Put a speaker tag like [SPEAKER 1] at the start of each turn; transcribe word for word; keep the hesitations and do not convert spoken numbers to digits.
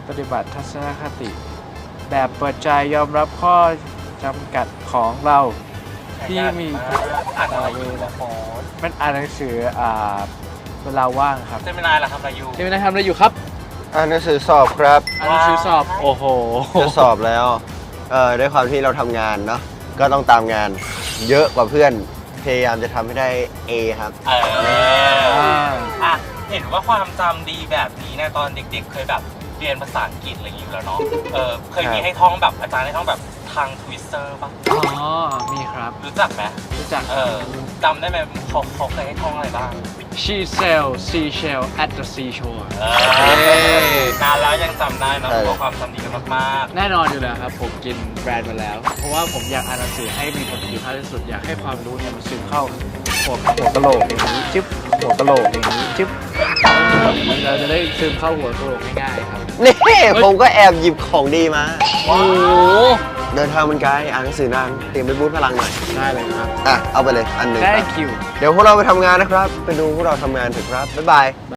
[SPEAKER 1] ปฏิบัติทัศนคติ แบบเปิดใจยอมรับข้อจำกัดของเราที่มี
[SPEAKER 2] อ่านอะไรอยู่นะโค้ด
[SPEAKER 1] มันอ่านหนังสืออ่าเวลาว่างครับ
[SPEAKER 2] เจมินายล่ะทำอะไรอยู่
[SPEAKER 1] ที่ไม่ได้ทำอะไรอยู่ครับ
[SPEAKER 3] อ่านหนังสือสอบครับ
[SPEAKER 1] อ่านหนังสือสอบโอ้โห
[SPEAKER 3] จะสอบแล้วเอ่อด้วยความที่เราทำงานเนาะก็ต้องตามงาน เยอะกว่าเพื่อนพยายามจะทำให้ได้ A ครับ
[SPEAKER 2] เอออ่ะเห็นว่าความจำดีแบบนี้เนี่ยตอนเด็กๆ เคยแบบเรียนภาษาอังกฤษอะไรอย่างเงี้ยอยู่แล้วเนาะเออเคยมีให้ท่องแบบอาจารย์ให้ท่องแบบทางทวิสเตอร์ป่ะ
[SPEAKER 1] อ๋อ มีครับ
[SPEAKER 2] รู้จักไหม
[SPEAKER 1] รู้จัก
[SPEAKER 2] เออจำได้ไหมเขาเขาเคยให้ท่องอะไรบ้าง
[SPEAKER 1] She sailed seashell at the seashore
[SPEAKER 2] เออนานแล้วยังจำได้นะ
[SPEAKER 3] ใช่
[SPEAKER 2] เพราะความจำดีกันมาก
[SPEAKER 1] แน่นอนอยู่แล้วครับ ผมกินแบรนด์มาแล้ว เพราะว่าผมอยากอ่านหนังสือให้มีประสิทธิภาพที่สุด อยากให้ความรู้เนี่ยมันซึมเข้าหัวหัวกะโหลกอย่างนี้จิ๊บหัวกะโหลกอย่างนี้จิ๊บมันเราจะได้ซึมเข้าหัวกะโหลกง่ายๆครับ
[SPEAKER 3] นี่ผมก็แอบหยิบของดีมา
[SPEAKER 2] ๆว้าว
[SPEAKER 3] เดินทางมันไกลอ่านหนังสือนานเตรียมไปบูทพลังหน่อย
[SPEAKER 1] ได้เลยครับ
[SPEAKER 3] อ่ะ เอาไปเลยอันหนึ่ง
[SPEAKER 1] ได้
[SPEAKER 3] ครับ
[SPEAKER 1] คิว
[SPEAKER 3] เดี๋ยวพวกเราไปทำงานนะครับ ไปดูพวกเราทำงานเถอะครับ บ๊ายบาย